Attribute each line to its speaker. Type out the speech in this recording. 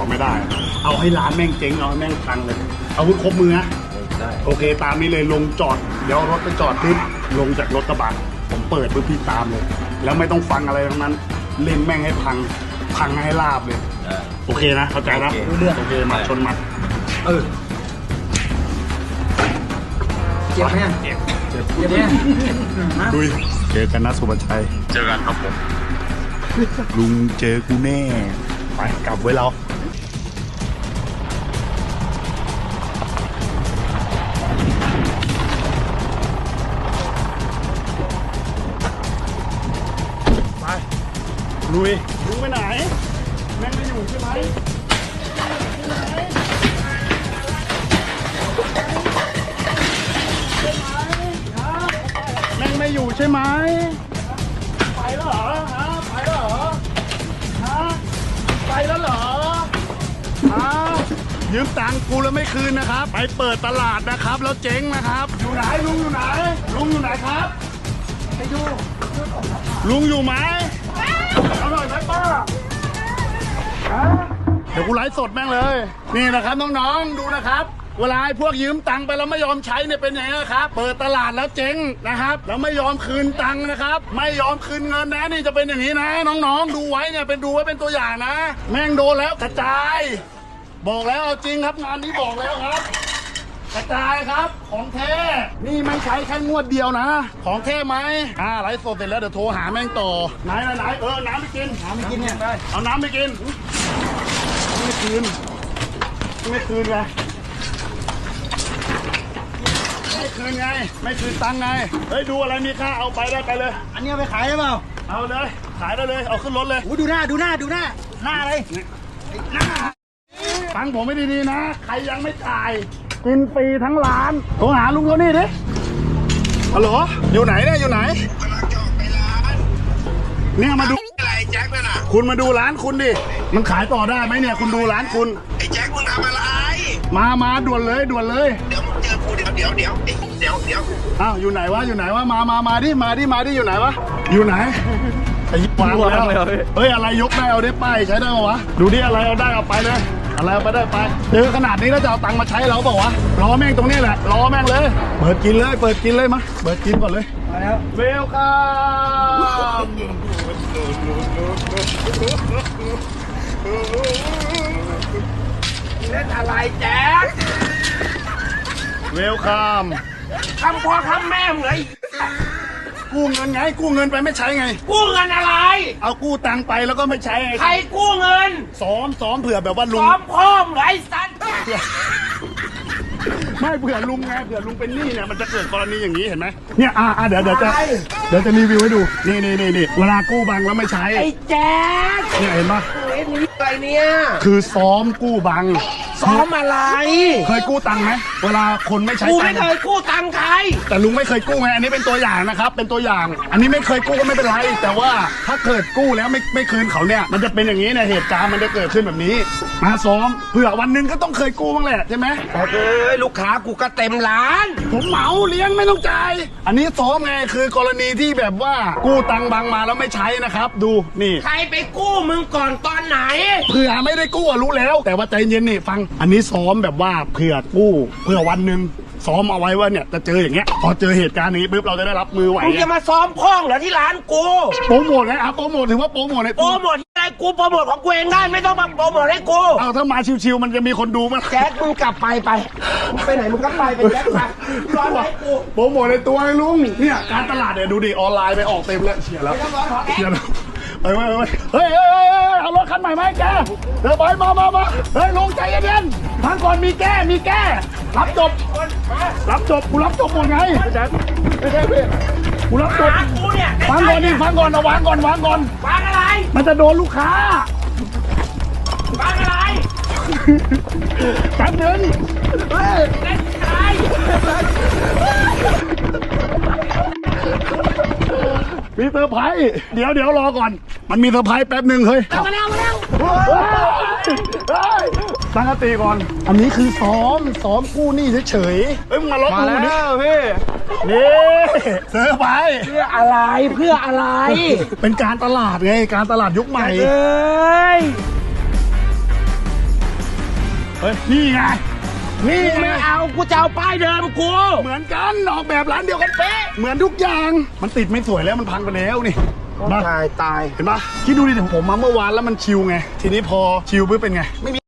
Speaker 1: ไม่ได้เอาให้ร้านแม่งเจ๊งเอาให้แม่งพังเลยอาวุธครบมือฮะโอเคตามนี้เลยลงจอดเดี๋ยวรถไปจอดปุ๊บลงจากรถกระบะผมเปิดปุ๊บพี่ตามเลยแล้วไม่ต้องฟังอะไรทั้งนั้นเล่นแม่งให้พังให้ลาบเลยโอเคนะเข้าใจนะโอเคมาชนมา
Speaker 2: เจ็บไหมเจ็บเนี่ย
Speaker 1: ดุยเจอกันนะสุภชัยเจอกันครับผมลุงเจอกูแน่ไปกลับไว้เราไปลุยลุงไปไหนแม่งไม่อยู่ใช่ไหมแม่งไม่อยู่ใช่ไหมไปแล้วเหรอฮะไปแล้วเหรอฮะไปแล้วเหรอฮะยืมตังค์กูแล้วไม่คืนนะครับไปเปิดตลาดนะครับแล้วเจ๊งนะครับอยู่ไหนลุงอยู่ไหนลุงอยู่ไหนครับไปดูลุงอยู่ไหมเอาหน่อยไหมป้าเดี๋ยวกูไลฟ์สดแม่งเลยนี่นะครับน้องๆดูนะครับเวลาพวกยืมตังค์ไปแล้วไม่ยอมใช้เนี่ยเป็นยังไงครับเปิดตลาดแล้วเจ๊งนะครับแล้วไม่ยอมคืนตังค์นะครับไม่ยอมคืนเงินนะนี่จะเป็นอย่างนี้นะน้องๆดูไว้เนี่ยดูไว้เป็นตัวอย่างนะแม่งโดนแล้วกระจายบอกแล้วเอาจริงครับงานนี้บอกแล้วครับกระจายครับของแท้นี่ไม่ใช้แค่งวดเดียวนะของแท้ไหมไลฟ์สดเสร็จแล้วเดี๋ยวโทรหาแม่งต่อไหนน้ำไปกินเนี่ยเอาน้ำไปกินไม่คืนไงไม่คืนไงไม่คืนตังค์ไงเฮ้ยดูอะไรมีค่าเอาไปได้ไปเลย
Speaker 2: อันนี้ไปขายได้เปล่า
Speaker 1: เอาเลยขายได้เลยเอาขึ้นรถเลย
Speaker 2: ดูหน้าอะไรหน้า
Speaker 1: ฟังผมไม่ดีๆนะใครยังไม่จ่ายกินฟรีทั้งร้านโทรหาลุงเขานี่ดิฮัลโหลอยู่ไหนเนี่ยอยู่ไหนเนี่ยมาดู
Speaker 3: อะไรแจ็คนั่นน่ะ
Speaker 1: คุณมาดูร้านคุณดิมันขายต่อได้ไหมเนี่ยคุณดูร้านคุณ
Speaker 3: ไอ้แจ็คมึงทำอะไร
Speaker 1: มาด่วนเลย
Speaker 3: เดี๋ยวมึงเจอกูเดี๋ยว
Speaker 1: อ้าวอยู่ไหนวะมาดิอยู่ไหนวะอยู่ไหนไอ้ยิบวางแล้วเฮ้ยอะไรยกได้เอาได้ป้ายใช้ได้ปะวะดูดิอะไรเอาได้เอาไปเลยอะไรเอาไปได้ไปเจอขนาดนี้แล้วจะเอาตังค์มาใช้เราเปล่าวะรอแม่งตรงนี้แหละรอแม่งเลยเปิดกินเลยมาเปิดกินก่อนเลย
Speaker 2: มาแล้ว
Speaker 1: เวลคัม
Speaker 3: เล่นอะไรแจ็ค
Speaker 1: เวลคัม
Speaker 3: ทำพ่อทำแม่มึงเลย
Speaker 1: กู้เงินไงกู้เงินไปไม่ใช้ไง
Speaker 3: กู้เงินอะไร
Speaker 1: เอากู้ตังค์ไปแล้วก็ไม่ใช้ไง
Speaker 3: ใครกู้เงิน
Speaker 1: ซ้อมเผื่อแบบว่าลุง
Speaker 3: ซ้อมพ่อมึงไอ้สัตว์
Speaker 1: ไม่เผื่อลุงไงเผื่อลุงเป็นหนี้เนี่ยมันจะเกิดกรณีอย่างนี้เห็นไหมเนี่ยเดี๋ยวจะรีวิวให้ดูนี่เวลากู้บังแล้วไม่ใช้
Speaker 3: ไอ้แจ๊ค
Speaker 1: เนี่ยเห็นปะ
Speaker 3: เอ็นนี้อะไรเนี่ย
Speaker 1: คือซ้อมกู้บัง
Speaker 3: ซ้อมอะไร
Speaker 1: เคยกู้ตังค์ไหมเวลาคนไม่ใช้
Speaker 3: กูไม่เคยกู้ตังค์ใคร
Speaker 1: แต่ลุงไม่เคยกู้ไงอันนี้เป็นตัวอย่างนะครับเป็นตัวอย่างอันนี้ไม่เคยกู้ก็ไม่เป็นไรแต่ว่าถ้าเกิดกู้แล้วไม่คืนเขาเนี่ยมันจะเป็นอย่างนี้เนี่ยเหตุการณ์มันจะเกิดขึ้นแบบนี้มาซ้อมเผื่อวันหนึ่งก็ต้องเคยกู้บ้างแหละใช่ไหม
Speaker 3: ลูกค้ากูก็เต็มร้าน
Speaker 1: ผมเหมาเลี้ยงไม่ต้องจ่ายอันนี้ซ้อมไงคือกรณีที่แบบว่ากู้ตังค์บางมาแล้วไม่ใช้นะครับดูนี่
Speaker 3: ใครไปกู้มึงก่อนตอนไหน
Speaker 1: เผื่อไม่ได้กู้รู้แล้วแต่ว่าใจเย็นนี่ฟังอันนี้ซ้อมแบบว่าเผื่อกู้เผื่อวันหนึ่งซ้อมเอาไว้ว่าเนี่ยจะเจออย่างเงี้ยพอเจอเหตุการณ์นี้ปุ๊บเราจะได้รับมือไหว
Speaker 3: มึงจะมาซ้อมพ้องเหรอที่ร้านกู
Speaker 1: โปรโมทไงโปรโมทถือว่าโปรโมทใน
Speaker 3: โปรโมทอะไรกูโปรโมทของกูเองได้ไม่ต้องมาโปรโมทให้กู
Speaker 1: เอาถ้ามาชิวๆมันจะมีคนดูมั้ย
Speaker 3: แจ็คมึงกลับไปไหนมึงก็ไปแจ็คไปร้อนไหนกู
Speaker 1: โปรโมทในตัวไอ้ลุงเนี่ยการตลาดเนี่ยดูดิออนไลน์ไปออกเต็มแล้วเชียร์แล้วไปเฮ้ยเอารถคันใหม่มาให้แกเดี๋ยวไปมาเฮ้ยลุงใจเย็นๆทางก่อนมีแก้รับจบกูรับจบหมดไงไม่ใช่พี่กูรับจบฟังก่อนเอาวางก่อน
Speaker 3: วางอะไร
Speaker 1: มันจะโดนลูกค้าว
Speaker 3: างอะไร
Speaker 1: แป๊บนึงเฮ้ย
Speaker 3: เล่นอะไร
Speaker 1: มีเซอร์ไพรส์เดี๋ยวรอก่อนมันมีเซอร์ไพรส์แป๊บนึงเฮ้ย
Speaker 3: มาแล้ว
Speaker 1: ตั้งสติก่อนอันนี้คือซ้อมกู้หนี้เฉยๆเฮ้ยมึงมาล็อกกูดิพี่นี่เซอร์ไพรส์
Speaker 3: เพื่ออะไร
Speaker 1: เป็นการตลาดไงการตลาดยุคใหม่เฮ้ยนี่ไงนี่ไง
Speaker 3: ไม่เอากูจะเอาป้ายเดิมกู
Speaker 1: เหมือนกันออกแบบร้านเดียวกันเป๊ะเหมือนทุกอย่างมันติดไม่สวยแล้วมันพังไปแล้วนี่มา
Speaker 3: ตาย
Speaker 1: เห็นปะคิดดูดิถึงผมมาเมื่อวานแล้วมันชิวไงทีนี้พอชิวปุ๊บเป็นไงไม่มี